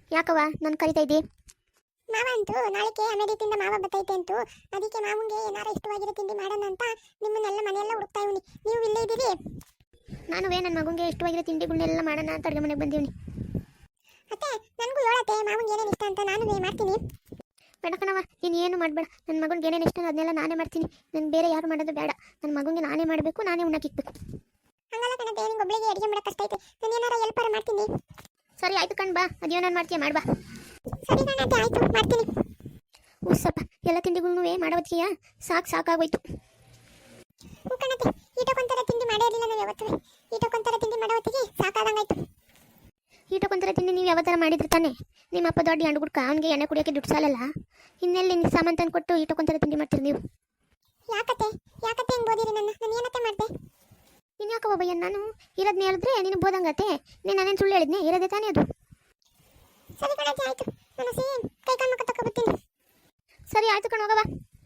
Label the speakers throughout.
Speaker 1: ಯಾಕವ್ವ ನಾನು ಕರಿತಾ ಇದ್ದಿ?
Speaker 2: ಮಾವ ಅಂತೂ ನಾಳೆಗೆ ಅಮೆರಿಕದಿಂದ ಮಾವ ಬರ್ತೈತೆ ಅಂತು. ಅದಕ್ಕೆ ಮಾವಂಗೆ ಏನಾರ ಇಷ್ಟವಾಗಿರೋ ತಿಂಡಿ ಮಾಡೋಣ ಅಂತ ನಿಮ್ಮನ್ನೆಲ್ಲ ಮನೆಯೆಲ್ಲ ಹುಡುಕ್ತಾ ಇವನಿ. ನೀವು ಇಲ್ಲೇ ಇದ್ದೀರಿ?
Speaker 1: ನಾನುವೇ ನನ್ನ ಮಗುಂಗೆ ಇಷ್ಟವಾಗಿರೋ ತಿಂಡಿಗಳನ್ನೆಲ್ಲ ಮಾಡೋಣ ಅಂತ ಅಡುಗೆ ಮನೆಗೆ ಬಂದೀನಿ.
Speaker 2: ಅತ್ತೆ ನನಗೂ ಹೇಳತ್ತೆ ಮಾವಂಗೆ ಏನೇನು ಇಷ್ಟ ಅಂತ ನಾನು ಮಾಡ್ತೀನಿ.
Speaker 1: ಬೇಡ ಕಣವ, ನೀನು ಏನು ಮಾಡಬೇಡ. ನನ್ನ ಮಗನಿಗೆ ಏನೇನು ಇಷ್ಟ ಅದನ್ನೆಲ್ಲ ನಾನೇ ಮಾಡ್ತೀನಿ. ನಾನು ಬೇರೆ ಯಾರು ಮಾಡೋದು ಬೇಡ. ನನ್ನ ಮಗುಂಗೆ ನಾನೇ ಮಾಡಬೇಕು, ನಾನೇ ಉಣ್ಣಕ್ಕಿಕ್ಬೇಕು.
Speaker 2: ಹಂಗಲ್ಲ ಕಣತೆ, ನಿಂಗೆ ಒಬ್ಳಿಗೆ ಅಡುಗೆ ಮಾಡೋಕೆ ಕಷ್ಟ ಐತೆ. ನಾನು ಏನಾರ ಹೆಲ್ಪರ್ ಮಾಡ್ತೀನಿ.
Speaker 1: ಸರಿ ಆಯ್ತು ಕಣ್ ಬಾ, ಅದೇನೋ ನಾನು ಮಾಡ್ತೀಯ ಮಾಡ್ಬಾ.
Speaker 2: ಸರಿ ಕಣತೆ, ಆಯ್ತು ಮಾಡ್ತೀನಿ.
Speaker 1: ಉಸ್ಸಪ್ಪ, ಎಲ್ಲ ತಿಂಡಿಗಳನ್ನೂ ಮಾಡೋದಕ್ಕೆಯಾ ಸಾಕಾಗೋಯ್ತು.
Speaker 2: ಹ್ಞೂ ಕಣತೆ, ಈಟಕ್ಕೊಂಥರ ತಿಂಡಿ ಮಾಡೇ ಇರಲಿಲ್ಲ ನಾವು ಯಾವತ್ತೂ. ಈಟಕ್ಕೊಂಥರ ತಿಂಡಿ ಮಾಡೋ ಹೊತ್ತಿಗೆ ಸಾಕಾದಂಗಾಯ್ತು.
Speaker 1: ಈಟಕ್ಕೊಂಥರ ತಿಂಡಿ ನೀವು ಯಾವ ಥರ ಮಾಡಿದ್ರೆ ತಾನೆ? ನಿಮ್ಮ ಅಪ್ಪ ದೊಡ್ಡ ಹಣ್ಣು ಗುಡ್ಕ ಅವ್ನಿಗೆ ಎಣ್ಣೆ ಕುಡಿಯೋಕ್ಕೆ ದುಡ್ಡು ಸಾಲಲ್ಲ. ಇನ್ನೆಲ್ಲಿ ನಿನ್ನ ಸಾಮಾನು ತಂದು ಕೊಟ್ಟು ಈಟಕ್ಕೊಂಥರ ತಿಂಡಿ ಮಾಡ್ತೀರಿ ನೀವು?
Speaker 2: ಯಾಕತ್ತೆ ಹೆಂಗೆ ಓದಿರಿ ನಾನು ಏನತ್ತೆ ಮಾಡಿದೆ?
Speaker 1: ನೀನು ಯಾಕೆ ಒಬ್ಬಯ್ಯ? ನಾನು ಇರೋದನ್ನ ಹೇಳಿದ್ರೆ ನೀನು ಬೋದಂಗತ್ತೆ. ನೀನು ನಾನೇನು ಸುಳ್ಳು ಹೇಳಿದ್ನೆ? ಇರೋದೇ ತಾನೇ ಅದು.
Speaker 2: ಸರಿ ಕಣತೆ, ಆಯ್ತು. ನಾನು ಕೈ ಕಾಲು ಮುಖ ತಗೊಬರ್ತೀನಿ.
Speaker 1: ಸರಿ ಆಯ್ತು ಕಣ್ ಹೋಗವ.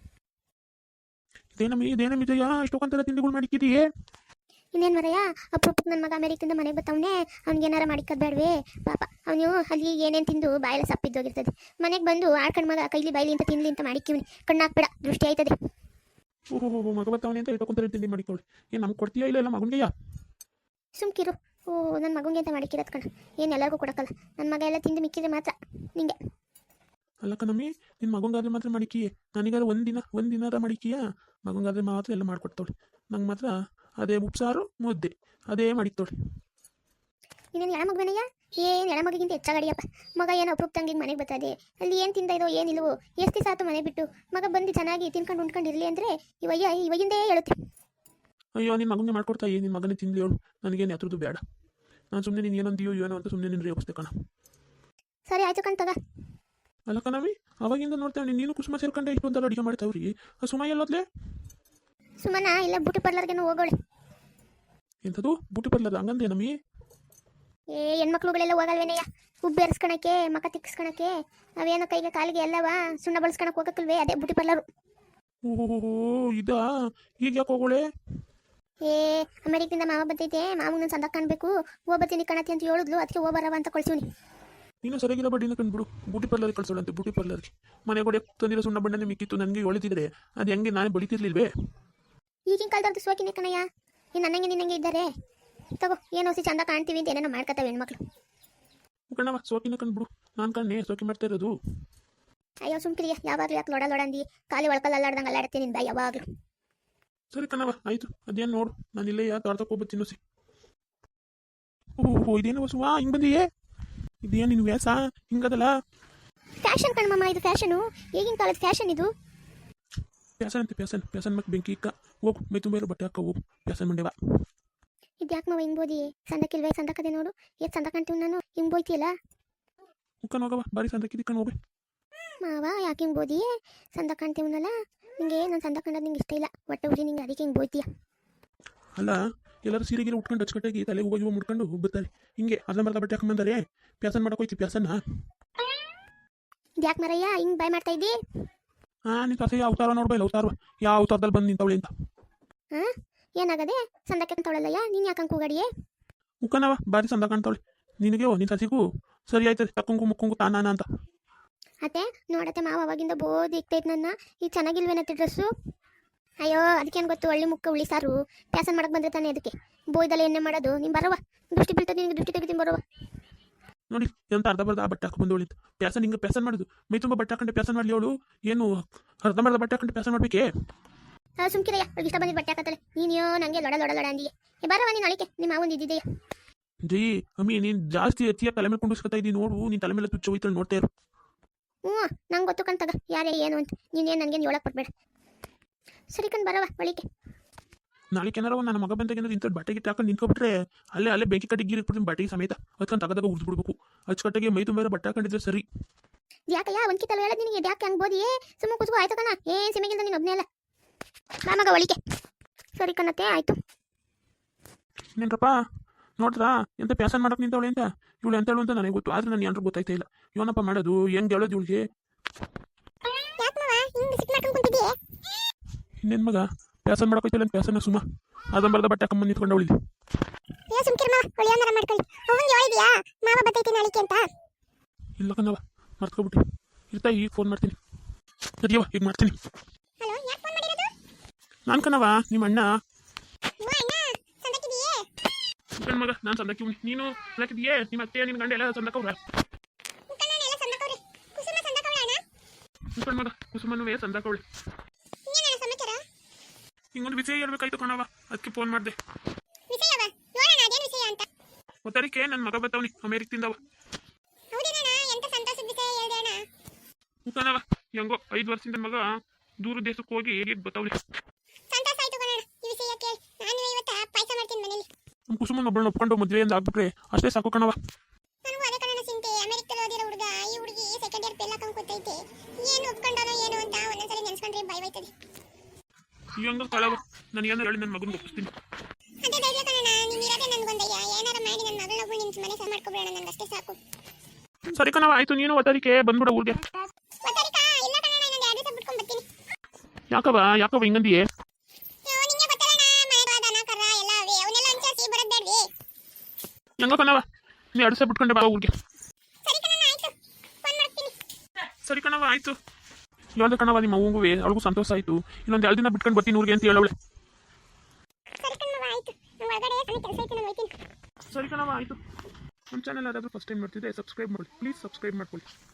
Speaker 3: ಇದೇನಮ್ಮಿದೆಯಾ ಇಷ್ಟೊಂಥರ ತಿಂಡಿಗಳು ಮಾಡಿಕ್ಕಿದೆಯೇ?
Speaker 1: ಇನ್ನೇನು ಮರಯ್ಯ, ಅಪರೂಪಕ್ಕೆ ನನ್ನ ಮಗ ಅಮೆರಿಕದಿಂದ ಮನೆಗೆ ಬರ್ತಾವನೆ. ಅವ್ನಿಗೆ ಏನಾರ ಮಾಡಿಕ್ಕದ್ ಬೇಡವೇ ಪಾಪ. ಅವನು ಅಲ್ಲಿ ಏನೇನು ತಿಂದು ಬಾಯೆಲ್ಲ ಸಪ್ಪಿದ್ದೋಗಿರ್ತದೆ. ಮನೆಗೆ ಬಂದು ಆಡ್ಕಂಡು ಮಗ ಕೈಲಿ ಬಾಯ್ಲಿ ಅಂತ ತಿನ್ಲಿ ಅಂತ ಮಾಡಿಕ್ಕಿವ್ನಿ. ಕಣ್ಣಾಕ್ಬೇಡ, ದೃಷ್ಟಿ ಆಯ್ತದೆ.
Speaker 3: ಓಹೋ ಮಗ ಬರ್ತಾವನೆ ಅಂತ ಇಷ್ಟೊಂಥರ ತಿಂಡಿ ಮಾಡಿಕೊಳ್ಳಿ. ಏನು ನಮ್ಗೆ ಕೊಡ್ತೀಯಾ ಇಲ್ಲ ಮಗನಿಗೆಯಾ?
Speaker 1: ಸುಮ್ಕಿರು. ನನ್ನ ಮಗುಂಗೆ ಅಂತ ಮಾಡಿಕ್ಕಿರೋದು ಕಣ. ಏನು ಎಲ್ಲರಿಗೂ ಕೊಡೋಕ್ಕಲ್ಲ. ನನ್ನ ಮಗ ಎಲ್ಲ ತಿಂದು ಮಿಕ್ಕಿದ್ರೆ ಮಾತ್ರ ನಿಂಗೆ.
Speaker 3: ಅಲ್ಲ ಕಣಮ್ಮಿ, ನಿನ್ನ ಮಗಂಗಾದ್ರೆ ಮಾತ್ರ ಮಾಡಿಕ್ಕಿಯೇ? ನನಗಾದ್ರೆ ಒಂದಿನಾರ ಮಾಡಿಕ್ಕಿಯಾ? ಮಗಂಗಾದ್ರೆ ಮಾತ್ರ ಎಲ್ಲ ಮಾಡಿಕೊಡ್ತಾವಳಿ. ನಂಗೆ ಮಾತ್ರ ಅದೇ ಉಪ್ಸಾರು ಮುದ್ದೆ ಅದೇ ಮಾಡಿಕ್ತೋಳಿ.
Speaker 1: ಇನ್ನೇನು ಎಳ ಮಗವೇನಯ್ಯ? ಏನು ಎಳ ಮಗಿಗಿಂತ ಹೆಚ್ಚಾಗಡಿಯಪ್ಪ. ಮಗ ಏನು ಅಪರೂಪ ತಂಗಿಗೆ ಮನೆಗೆ ಬರ್ತದೆ. ಅಲ್ಲಿ ಏನು ತಿಂದ ಇದೋ ಏನಿಲ್ವೋ, ಎಷ್ಟು ದಿವಸ ಆಯ್ತು ಮನೆ ಬಿಟ್ಟು. ಮಗ ಬಂದು ಚೆನ್ನಾಗಿ ತಿನ್ಕೊಂಡು ಉಂಡ್ಕೊಂಡು ಇರಲಿ ಅಂದರೆ ಇವಾಗಿಂದೇ ಹೇಳುತ್ತೆ.
Speaker 3: ಅಯ್ಯೋ, ನಿನ್ನ ಮಗನೇ ಮಾಡ್ಕೊಡ್ತಾ ನಿನ್ನ ಮಗನೇ ತಿನ್ಲಿ ಹೇಳು. ನನಗೇನು ಯಾತ್ರದ್ದು ಬೇಡ. ನಾನು ಸುಮ್ಮನೆ ನೀನು ಏನಂತೀಯೋ ಏನೋ ಅಂತ ಸುಮ್ಮನೆ ನಿನ್ನ ರೇಗಿಸ್ತೆ ಕಣ.
Speaker 1: ಸರಿ ಆಯ್ತು ಕಣ್ ತಗ.
Speaker 3: ಅಲ್ಲ ಕಣವಿ, ಅವಾಗಿಂದ ನೋಡ್ತೇವೆ ನೀನು ಕುಸುಮ ಸೇರ್ಕೊಂಡೆ ಇಷ್ಟೊಂದೆಲ್ಲ ಅಡುಗೆ ಮಾಡ್ತಾವ್ರಿ. ಆ ಸುಮ ಎಲ್ಲೋದ್ಲೆ?
Speaker 1: ಸುಮನ ಇಲ್ಲ ಬ್ಯೂಟಿ ಪಾರ್ಲರ್ಗೆ ಹೋಗೋಳೆ.
Speaker 3: ಎಂಥದ್ದು ಬ್ಯೂಟಿ ಪಾರ್ಲರ್? ಹಂಗಂದ್ರೆ ನಮ್ಮಿ
Speaker 1: ಹೆಣ್ಮಕ್ಳುಗಳೆಲ್ಲ ಹೋಗಲ್ವೇನಯ್ಯ? ಉಬ್ಬು ಎರ್ಸ್ಕೊಳಕ್ಕೆ, ಮಕ ತಿಕ್ಸ್ಕೊಳಕ್ಕೆ, ಅವೇನೋ ಕೈಗೆ ಕಾಲಿಗೆ ಎಲ್ಲವ ಸುಣ್ಣ ಬಳಸ್ಕೊಳಕ್ಕೆ ಹೋಗಕ್ಕಲ್ವೇ, ಅದೇ ಬ್ಯೂಟಿ ಪಾರ್ಲರು.
Speaker 3: ಓಹೋ ಇದಾ? ಈಗ ಯಾಕೆ ಹೋಗೋಳೆ?
Speaker 1: ಅಮೆರಿಕದಿಂದ ಮಾವ ಬರ್ತೈತೆ, ಮಾವನ ಸಂದ ಕಾಣಬೇಕು, ಹೋಗ್ಬರ್ತೀನಿ ಕಣತಿ ಅಂತ ಹೇಳಿದ್ಲು. ಅದಕ್ಕೆ ಹೋಗ್ಬರವ ಅಂತ ಕಳ್ಸೀನಿ.
Speaker 3: ನೀನು ಸರಿಯಾಗಿರೋ ಬಡ್ಡಿನ ಕಂಡುಬಿಡು. ಬ್ಯೂಟಿ ಪಾರ್ಲರ್ಗೆ ಕಳ್ಸೋಳಂತೆ. ಬ್ಯೂಟಿ ಪಾರ್ಲರ್ಗೆ ಮನೆಗೆ ಹೊಡೆ ತಂದಿರೋ ಸುಣ್ಣ ಬಣ್ಣನೇ ಮಿಕ್ಕಿತ್ತು. ನನಗೆ ಹೊಳಿತಿದ್ರೆ ಅದು ಹೆಂಗೆ ನಾನೇ ಬಳಿತಿರ್ಲಿಲ್ವೇ?
Speaker 1: ಈಗಿನ ಕಾಲದವ್ರದ್ದು ಸೋಕಿನೇ ಕಣಯ್ಯ. ನೀನು ನಿನ್ನಂಗೆ ಇದ್ದಾರೆ. ತಗೋ, ಏನೋ ಚಂದ ಕಾಣ್ತೀವಿ ಅಂತ ಏನೇನೋ ಮಾಡ್ಕೊತಾವೆ ಹೆಣ್ಮಕ್ಳು.
Speaker 3: ಕಣ್ಣವ ಸೋಕಿನ ಕಂಡುಬಿಡು. ನಾನು ಕಣ್ಣೆ ಸೋಕಿ ಮಾಡ್ತಾ ಇರೋದು.
Speaker 1: ಅಯ್ಯೋ ಸುಮ್ಕಿರಿಯ, ಯಾವಾಗಲೂ ಯಾಕೆ ಲೊಡ ಅಂದಿ? ಖಾಲಿ ಒಳ್ಕಲ್ಲ ಅಲ್ಲಾಡ್ದಂಗೆ ಅಲ್ಲಾಡ್ತೀನಿ ನಿನ್ನ ಬಾಯಿ ಯಾವಾಗಲೂ.
Speaker 3: ಸರಿ ಕಣವ, ಆಯ್ತು. ಅದೇನು ನೋಡು, ನಾನು ಇಲ್ಲೇ ತೋಟಕ್ಕೆ ಹೋಗ್ಬತ್ತೀನಿ ಸಿ. ಓಹೋ ಇದೇನು ಸುವಾ ಹಿಂಗೆ ಬಂದಿಯೇ? ಇದೇನು ನಿನ್ನ ವ್ಯಾಸ ಹಿಂಗದಲ್ಲ?
Speaker 1: ಫ್ಯಾಷನ್ ಕಣ್ಮಮ್ಮ, ಇದು ಫ್ಯಾಷನು. ಈಗಿನ ಕಾಲದ ಫ್ಯಾಷನ್ ಇದು.
Speaker 3: ಪ್ಯಾಸನ್ ಅಂತೆ ಪ್ಯಾಸನ್ ಮತ್ತೆ ಬೆಂಕಿ ಇಕ್ಕ. ಹೋಗು, ಮೈ ತುಂಬ ಇರೋ ಬಟ್ಟೆ ಹಾಕ ಹೋಗು. ಪ್ಯಾಸನ್ ಮಂಡೆವ
Speaker 1: ಇದು ಯಾಕೆ ಮಾವ ಹಿಂಗೆ ಬೋದಿ? ಸಂದಕ್ಕಿಲ್ವೇ? ಸಂದಕದೆ ನೋಡು, ಎಷ್ಟು ಸಂದ ಕಾಣ್ತೀವಿ ನಾನು. ಹಿಂಗೆ ಬೋಯ್ತಿಯಲ್ಲ
Speaker 3: ಮುಕ್ಕನ್ ಹೋಗವ, ಬಾರಿ ಸಂದಕ್ಕಿದ್ಕಂಡು ಹೋಗಿ.
Speaker 1: ಮಾವ ಯಾಕೆ ಹಿಂಗೆ ಬೋದಿ? ಸಂದ ಕಾಣ್ತೀವನಲ್ಲ ನಿಂಗೆ. ನಾನು ಸಂದ ಕಂಡದ್ದು ನಿಂಗೆ ಇಷ್ಟ ಇಲ್ಲ, ಹೊಟ್ಟೆ ಉರಿ ನಿಂಗೆ, ಅದಕ್ಕೆ ಹಿಂಗೆ ಬೋಯ್ತೀಯ.
Speaker 3: ಅಲ್ಲ, ಎಲ್ಲರೂ ಸೀರೆಗಿರ ಉಟ್ಕೊಂಡು ಅಚ್ಚುಕಟ್ಟಾಗಿ ತಲೆ ಹೋಗಿ ಮುಡ್ಕೊಂಡು ಬರ್ತಾರೆ. ಹಿಂಗೆ ಅರ್ಧಂಬರ್ಧ ಬಟ್ಟೆ ಹಾಕೊಂಬಂದಾರೆ. ಪ್ಯಾಸನ್ ಮಾಡೋಕೋಯ್ತಿ ಪ್ಯಾಸನ್ನ.
Speaker 1: ಇದು ಯಾಕೆ ಮರಯ್ಯ ಹಿಂಗೆ ಬಾಯ್ ಮಾಡ್ತಾ ಇದ್ದಿ?
Speaker 3: ನೀನು ಸಸಿ ಅವತಾರ ನೋಡ್ಬಲ್ಲ, ಅವತಾರ ಯಾವ ಅವತಾರದಲ್ಲಿ ಬಂದು ನಿಂತವಳೆ ಅಂತ.
Speaker 1: ಏನಾಗದೆ? ಸಂದಕ್ಕೆ ಅಂತವಳಲ್ಲಯ್ಯ, ನೀನು ಯಾಕೆ ಕೂಗಾಡಿಯೇ?
Speaker 3: ಮುಕ್ಕನವ ಬಾರಿ ಸಂದ ಕಾಣ್ತಾವಳೆ ನಿನಗೆ. ನಿನ್ನ ಸಸಿಗೂ ಸರಿ ಆಯ್ತದೆ, ತಕ್ಕಂಗು ಮುಕ್ಕಂಗು ತಾನಾನ ಅಂತ.
Speaker 1: ಅತ್ತೆ ನೋಡತ್ತೆ, ಮಾವ ಅವಾಗಿಂದ ಬೋದಿ ಇಕ್ತೈತೆ ನನ್ನ. ಈಗ ಚೆನ್ನಾಗಿಲ್ವೇನತ್ತೆ ಡ್ರೆಸ್ಸು? ಅಯ್ಯೋ ಅದಕ್ಕೇನು ಗೊತ್ತು, ಒಳ್ಳೆ ಮುಕ್ಕ ಉಳಿ ಸಾರು. ಪ್ಯಾಸನ್ ಮಾಡಕ್ಕೆ ಬಂದ್ರೆ ತಾನೆ ಅದಕ್ಕೆ ಬೋಯ್ದಲ್ಲ ಎಣ್ಣೆ ಮಾಡೋದು. ನೀನು ಬರವ, ದೃಷ್ಟಿ ಬೀಳ್ತದೆ ನಿನಗೆ, ದೃಷ್ಟಿ ತೆಗಿತೀನಿ ಬರವ.
Speaker 3: ನೋಡಿ ಎಂತ ಅರ್ಧಂಬರ್ಧ ಆ ಬಟ್ಟೆ ಹಾಕೊಂಡು ಬಂದವಳಿಂತ. ಪ್ಯಾಸನ್ ಹಿಂಗೆ ಪ್ಯಾಸನ್ ಮಾಡೋದು. ಮೈ ತುಂಬ ಬಟ್ಟೆ ಹಾಕೊಂಡೆ ಪ್ಯಾಸನ್ ಮಾಡಲಿ ಅವಳು. ಏನು ಅರ್ಧಂಬರ್ಧ ಬಟ್ಟೆ ಹಾಕೊಂಡು ಪ್ಯಾಸನ್ ಮಾಡ್ಬೇಕೇ?
Speaker 1: ಸುಮ್ಕಿರಯ್ಯ, ಅವ್ಳಿಗೆ ಇಷ್ಟ ಬಂದಿದ್ದು ಬಟ್ಟೆ ಹಾಕತ್ತಲೆ. ನೀನು ನನಗೆ ಲೊಡ ಅಂದಿಯೇ. ಬರವ ನೀನು ಅಳಿಕೆ, ನಿಮ್ಮ ಮಾವನ ಇದ್ದಿದೆಯಾ?
Speaker 3: ಜೈ ಅಮ್ಮಿ, ನೀನು ಜಾಸ್ತಿ ಎತ್ತಿಯಾಗಿ ತಲೆ ಮೇಲೆ ಕುಂಡಿಸ್ಕೊತಾ ಇದ್ದೀನಿ ನೋಡು. ನೀನು ತಲೆ ಮೇಲೆ ತುಚ್ಚ ಹೋಯ್ತು ನೋಡ್ತಾ ಇರು.
Speaker 1: ನಂಗೆ ಗೊತ್ತು ಕಣ್ತಗ ಯಾರೇ ಏನು ಅಂತ. ನೀನೇನು ನನಗೇನು ಹೇಳಕ್ಕೆ ಕೊಡ್ಬೇಡ. ಸರಿ ಕಣ್ ಬರವ ಒಳಿಕೆ.
Speaker 3: ನಾಳೆ ಏನಾರ ನನ್ನ ಮಗ ಬಂದಾಗೇನಾದ್ರು ಇಂಥ ಬಟ್ಟೆ ಗಿಟ್ಟು ಹಾಕೊಂಡು ನಿಂತ್ಕೊಬಿಟ್ರೆ ಅಲ್ಲೇ ಬೆಂಕಿ ಕಟ್ಟಿಗೆ ಗೀರಿಟ್ಬಿಡ್ತೀನಿ ಬಟ್ಟೆಗೆ ಸಮೇತ. ಅದಕ್ಕೆ ತಗದಾಗ ಉಳಿದ್ಬಿಡ್ಬೇಕು. ಅಚ್ಚುಕಟ್ಟಿಗೆ ಮೈ ತುಂಬ ಬಟ್ಟೆ ಹಾಕೊಂಡಿದ್ರೆ ಸರಿ.
Speaker 1: ಯಾಕಯ್ಯ ಒಂದ್ಕಿತಲ್ಲ ಹೇಳೋದು ನಿನಗೆ? ಯಾಕೆ ಹಂಗೆ ಬೋದಿ? ಸುಮ್ಮ ಕುಸ್ಕೋ ಆಯ್ತು ಕಣ. ಏನು ಸಿಮೆಗಿಂದ ನೀನು ಒಬ್ಬನೇ ಅಲ್ಲ. ಬಾ ಮಗ ಒಳಿಕೆ. ಸರಿ ಕಣತ್ತೆ, ಆಯ್ತು.
Speaker 3: ಇನ್ನೇನ್ರಪ್ಪ ನೋಡ್ರಾ ಎಂತ ಪ್ಯಾಸನ್ ಮಾಡಕ್ಕೆ ನಿಂತವಳೆ ಅಂತ. ಇವಳು ಎಂತ ಹೇಳು ಅಂತ ನನಗೆ ಗೊತ್ತು, ಆದ್ರೆ ನಾನು ಏನಾರು ಗೊತ್ತಾಯ್ತಾ ಇಲ್ಲ. ಏನಪ್ಪ ಮಾಡೋದು, ಹೆಂಗೆ ಹೇಳೋದು ಇವಳಿಗೆ? ಇನ್ನೇನು ಮಗ ಪ್ಯಾಸನ್ ಮಾಡಕೋಯ್ತಿಲ್ಲ ಅಂತ ಪ್ಯಾಸನ್ನ ಸುಮ್ಮ ಅರ್ಧಂಬರ್ಧ ಬಟ್ಟೆ ಹಾಕೊಂಬಂದು ನಿಂತ್ಕೊಂಡು ಅವಳಿಗೆ. ಇಲ್ಲ ಕಣವ ಮರ್ತ್ಕೊಬಿಟ್ಟು ಇರ್ತಾ ಈಗ ಫೋನ್ ಮಾಡ್ತೀನಿ ಸರಿಯವ ಈಗ ಮಾಡ್ತೀನಿ.
Speaker 2: ಹಲೋ, ಯಾಕೆ ಫೋನ್ ಮಾಡಿರೋದು?
Speaker 3: ನಾನು ಕಣವ ನಿಮ್ಮ ಅಣ್ಣ.
Speaker 2: ಓ ಅಣ್ಣ, ಸಂದಕ್ಕಿದೆಯೇ?
Speaker 3: ನನ್ನ ಮಗ ನಾನು ಸಂದಕ್ಕೆ ನೀನು ಸಂದಕ್ಕಿದೆಯೇ? ನಿಮ್ಮ ಅತ್ತೆ ನಿನ್ನ ಗಂಡ ಎಲ್ಲ ಸಂದಕ್ಕವ್ರ?
Speaker 2: ಮುಖಂಡ ಎಲ್ಲ ಸಂದಕವ್ರೆ. ಕುಸುಮ ಸಂದಕವಳ ಅಣ್ಣ?
Speaker 3: ಮುಖಂಡ ಮಗ ಕುಸುಮನುವೇ ಸಂದಕ್ಕವಳೆ.
Speaker 2: ಇನ್ನೇನಣ್ಣ ಸಮಾಚಾರ?
Speaker 3: ಹಿಂಗೊಂದು ವಿಷಯ ಹೇಳ್ಬೇಕಾಯ್ತು ಕಣವ, ಅದಕ್ಕೆ ಫೋನ್ ಮಾಡಿದೆ.
Speaker 2: ವಿಷಯವ? ನೋಡೋಣ ಅದೇನು ವಿಷಯ ಅಂತ.
Speaker 3: ಒತ್ತರಿಕೆ ನನ್ನ ಮಗ ಬರ್ತಾವನಿ ಅಮೇರಿಕದಿಂದವ.
Speaker 2: ಹೌದೇನಣ್ಣ, ಎಂತ ಸಂತೋಷದ ವಿಷಯ ಹೇಳ್ದೆ ಅಣ್ಣ.
Speaker 3: ಮುಖಂಡವ ಹೆಂಗೋ 5 ವರ್ಷದಿಂದ ಮಗ ದೂರ ದೇಶಕ್ಕೆ ಹೋಗಿ ಹೇಗೆ ಬರ್ತಾವನಿ.
Speaker 2: ಸಂತೋಷ ಆಯ್ತು ಕಣಣ್ಣ ಈ ವಿಷಯ ಕೇಳಿ. ನಾನು ಇವತ್ತ ಪಾಯಸ ಮಾಡ್ತೀನಿ ಮನೇಲಿ.
Speaker 3: ನಮ್ಮ ಕುಸುಮನ ಒಬ್ಬಳನ್ನ ಒಪ್ಕೊಂಡು ಮದುವೆಯಿಂದ ಆಗ್ಬಿಟ್ರೆ ಅಷ್ಟೇ ಸಾಕು ಕಣವ.
Speaker 2: ನನಗೂ ಅದೇ ಕಣಣ್ಣ ಚಿಂತೆ. ಅಮೆರಿಕದಲ್ಲಿ ಓದಿರೋ ಹುಡುಗ, ಈ ಹುಡುಗಿ ಸೆಕೆಂಡ್ ಇಯರ್ ಪೆಲ್ಲ ಕೂತೈತೆ. ಏನು ಒಪ್ಕೊಂಡಾನೋ ಏನು ಅಂತ ಒಂದೊಂದ್ಸರಿ ನೆನ್ಸ್ಕೊಂಡ್ರೆ ಭಯವಾಯ್ತದೆ.
Speaker 3: ಹೆಂಗ ಕಳವ ನನಗೇನು ಹೇಳಿ ನನ್ನ ಮಗನ ಒಪ್ಪಿಸ್ತೀನಿ.
Speaker 2: ಅದೇ ಧೈರ್ಯ ಕಣಣ್ಣ, ನೀನ್ ಇರೋದೇ ನನ್ಗೊಂದಯ್ಯ. ಏನಾರ ಮಾಡಿ ನನ್ನ ಮಗಳನ್ನೊಬ್ಬಳು ನಿನ್ ಮನೆ ಸಹ ಮಾಡ್ಕೊಬಿಡೋಣ, ನನ್ಗಷ್ಟೇ ಸಾಕು.
Speaker 3: ಸರಿ ಕಣವ ಆಯ್ತು, ನೀನು ಒತ್ತರಿಕೆ ಬಂದ್ಬಿಡ ಊರಿಗೆ.
Speaker 2: ಗೊತ್ತಾರಿಕಾ? ಇಲ್ಲ ಕಣಣ್ಣ, ಇನ್ನೊಂದು 2 ದಿವಸ ಬಿಟ್ಕೊಂಡ್ ಬರ್ತೀನಿ.
Speaker 3: ಯಾಕವ ಹಿಂಗಂದಿಯೇ?
Speaker 2: ನಿಂಗೆ ಗೊತ್ತಲ್ಲಣ್ಣ, ಮನೆ ದನ ಕರ ಎಲ್ಲ ಅವೆ, ಅವನ್ನೆಲ್ಲ ಅನ್ಸಾಸಿ ಬರೋದ್ ಬೇಡ್ವಿ.
Speaker 3: ಹೆಂಗ ಕಣವ ನೀ 2 ದಿವಸ ಬಿಟ್ಕೊಂಡೆ ಬಾ ಊರಿಗೆ.
Speaker 2: ಸರಿ ಕಣಣ್ಣ, ಆಯ್ತು, ಫೋನ್ ಮಾಡ್ತೀನಿ.
Speaker 3: ಸರಿ ಕಣವ ಆಯ್ತು. ಹೇಳ್ದೆ ಕಣವ ನಿಮ್ಮ ಅವ್ವಂಗುವೆ, ಅವಳಿಗೂ ಸಂತೋಷ ಆಯ್ತು. ಇನ್ನೊಂದು 2 ದಿನ ಬಿಟ್ಕೊಂಡು ಬರ್ತೀನಿ ಊರಿಗೆ ಅಂತ ಹೇಳವಳೆ.
Speaker 2: ಸರಿ ಕಣವ ಆಯ್ತು, ನಂಗೆ ಒಳಗಡೆ ಸಣ್ಣ ಕೆಲಸ ಐತೆ, ನಾನು ಹೋಗ್ತೀನಿ.
Speaker 3: ಸರಿ ಕಣವ ಆಯ್ತು. ನಮ್ಮ ಚಾನಲ್ ಯಾರಾದರೂ ಫಸ್ಟ್ ಟೈಮ್ ನೋಡ್ತಿದ್ದೆ ಸಬ್ಸ್ಕ್ರೈಬ್ ಮಾಡಿ ಪ್ಲೀಸ್, ಸಬ್ಸ್ಕ್ರೈಬ್ ಮಾಡ್ಕೊಳ್ಳಿ.